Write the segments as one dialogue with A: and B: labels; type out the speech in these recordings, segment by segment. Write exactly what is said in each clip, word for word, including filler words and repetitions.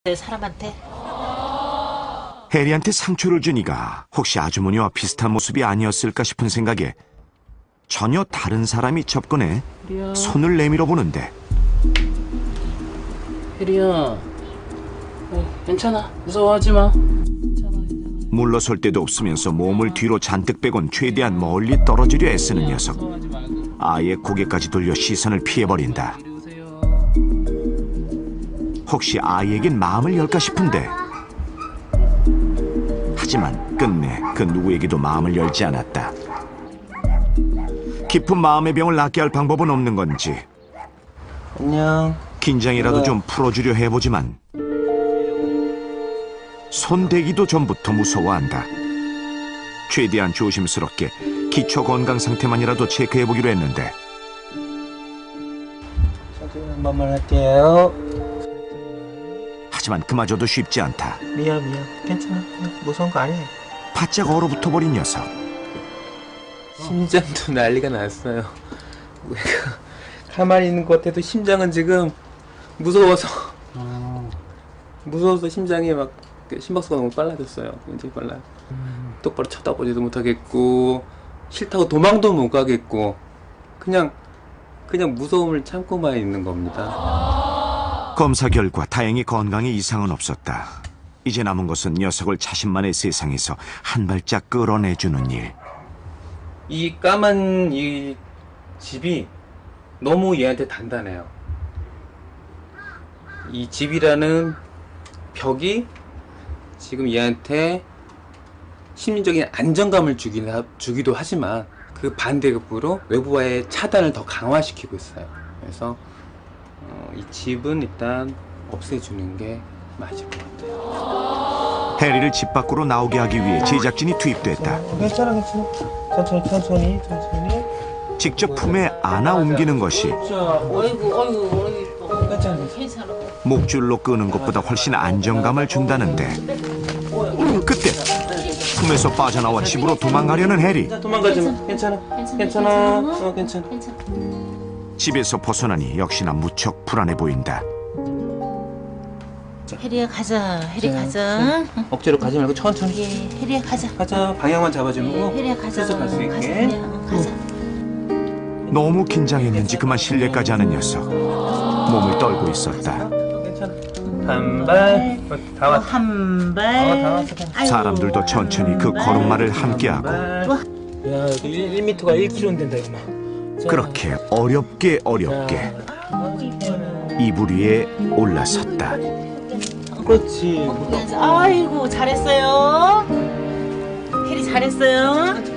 A: 내 사람한테.
B: 해리한테 상처를 준 이가 혹시 아주머니와 비슷한 모습이 아니었을까 싶은 생각에 전혀 다른 사람이 접근해
C: 혜리야.
B: 손을 내밀어 보는데
C: 혜리야. 어, 괜찮아. 무서워하지 마. 괜찮아, 괜찮아.
B: 물러설 데도 없으면서 몸을 뒤로 잔뜩 빼곤 최대한 멀리 떨어지려 애쓰는 녀석.
C: 무서워하지 말고.
B: 아예 고개까지 돌려 시선을 피해버린다.
C: 이리 오세요.
B: 혹시 아이에겐 마음을 열까 싶은데 하지만 끝내 그 누구에게도 마음을 열지 않았다. 깊은 마음의 병을 낫게 할 방법은 없는 건지
D: 안녕.
B: 긴장이라도 좀 풀어주려 해보지만 손대기도 전부터 무서워한다. 최대한 조심스럽게 기초 건강 상태만이라도 체크해보기로 했는데
D: 천천히 한 번만 할게요.
B: 하지만 그마저도 쉽지 않다.
D: 미안 미안. 괜찮아. 무서운 거 아니야.
B: 바짝 얼어붙어버린 녀석.
D: 심장도 난리가 났어요. 우리가 가만히 있는 것 같아도 심장은 지금 무서워서 무서워서 심장이 막 심박수가 너무 빨라졌어요. 굉장히 빨라요. 음. 똑바로 쳐다보지도 못하겠고 싫다고 도망도 못 가겠고 그냥 그냥 무서움을 참고만 있는 겁니다.
B: 검사 결과 다행히 건강에 이상은 없었다. 이제 남은 것은 녀석을 자신만의 세상에서 한 발짝 끌어내주는 일.
D: 이 까만 이 집이 너무 얘한테 단단해요. 이 집이라는 벽이 지금 얘한테 심리적인 안정감을 주긴 하, 주기도 하지만 그 반대급부로 외부와의 차단을 더 강화시키고 있어요. 그래서 어, 이 집은 일단 없애주는 게 맞을 것 같아요.
B: 해리를 집 밖으로 나오게 하기 위해 제작진이 투입됐다.
D: 괜찮아 괜찮아. 천천히 천천히 천천히.
B: 직접 품에 안아 옮기는 것이
A: 어이구, 어이구, 어이구.
D: 괜찮아.
A: 괜찮아.
B: 목줄로 끄는 것보다 훨씬 안정감을 준다는데 그때 품에서 빠져나와 집으로 도망가려는 해리.
D: 도망가지 마. 괜찮아. 괜찮아. 어 괜찮아.
A: 괜찮아.
B: 집에서 벗어나니 역시나 무척 불안해 보인다.
A: 혜리야 가자. 혜리 가자. 응.
D: 억지로 가지 말고 천천히.
A: 예, 혜리야 가자.
D: 가자. 방향만 잡아주는
A: 예,
D: 거.
A: 혜리야 가자.
D: 슬슬 갈수
A: 가자,
D: 있게.
A: 혜리야. 어, 가자.
B: 너무 긴장했는지 그만 실례까지 하는 녀석. 몸을 떨고 있었다.
D: 괜찮아. 한 발. 다
A: 어,
D: 왔어.
A: 한 발.
D: 어, 다 왔어.
A: 아이고,
B: 사람들도 천천히 그
A: 한 발.
B: 걸음마를 함께하고
D: 야, 여기 일 미터가 일 킬로미터는 된다 이거 막.
B: 그렇게 어렵게 어렵게 이불 위에 올라섰다.
D: 그렇지.
A: 아이고 잘했어요. 혜리 잘했어요.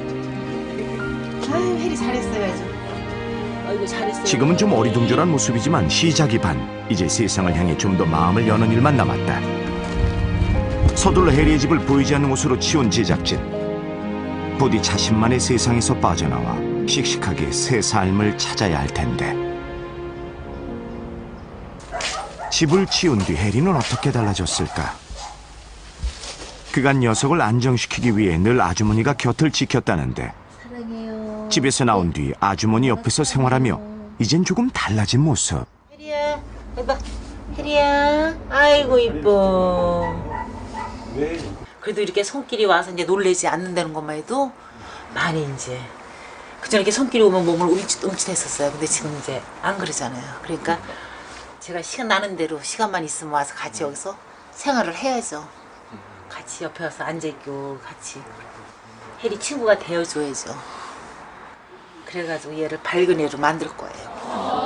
A: 아유 혜리 잘했어요 아주. 아이고 잘했어요.
B: 지금은 좀 어리둥절한 모습이지만 시작이 반. 이제 세상을 향해 좀 더 마음을 여는 일만 남았다. 서둘러 해리의 집을 보이지 않는 곳으로 치운 제작진. 부디 자신만의 세상에서 빠져나와 씩씩하게 새 삶을 찾아야 할 텐데. 집을 치운 뒤 해리는 어떻게 달라졌을까? 그간 녀석을 안정시키기 위해 늘 아주머니가 곁을 지켰다는데
A: 사랑해요.
B: 집에서 나온 뒤 아주머니 옆에서 생활하며 이젠 조금 달라진 모습.
A: 혜리야 해봐. 혜리야 아이고 이뻐. 그래도 이렇게 손길이 와서 이제 놀래지 않는다는 것만 해도 많이 이제 그전에 이렇게 손길이 오면 몸을 움찔, 움찔했었어요. 근데 지금 이제 안 그러잖아요. 그러니까 제가 시간 나는 대로 시간만 있으면 와서 같이 여기서 생활을 해야죠. 같이 옆에 와서 앉아있고 같이 혜리 친구가 되어줘야죠. 그래가지고 얘를 밝은 애로 만들 거예요.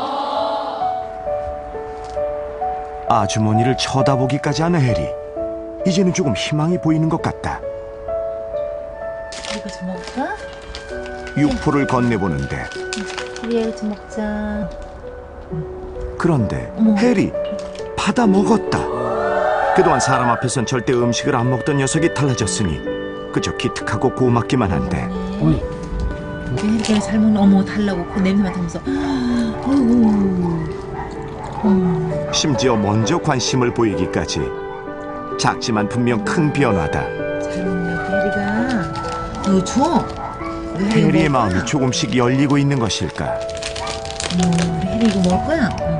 B: 아주머니를 쳐다보기까지 하는 해리. 이제는 조금 희망이 보이는 것 같다.
A: 이거 좀 먹자.
B: 육포를 건네보는데
A: 혜리야 이거 좀 먹자.
B: 그런데
A: 어머.
B: 해리 받아 먹었다. 그동안 사람 앞에선 절대 음식을 안 먹던 녀석이 달라졌으니 그저 기특하고 고맙기만 한데
A: 혜리가 잘 먹는 어머 달라고 그 냄새 맡으면서 어이구. 어.
B: 심지어 먼저 관심을 보이기까지. 작지만 분명 큰 변화다.
A: 잘 먹네 혜리가. 이거 줘.
B: 해리의 마음이 조금씩 열리고 있는 것일까?
A: 어, 우리 혜리 이거 먹을 거야? 응.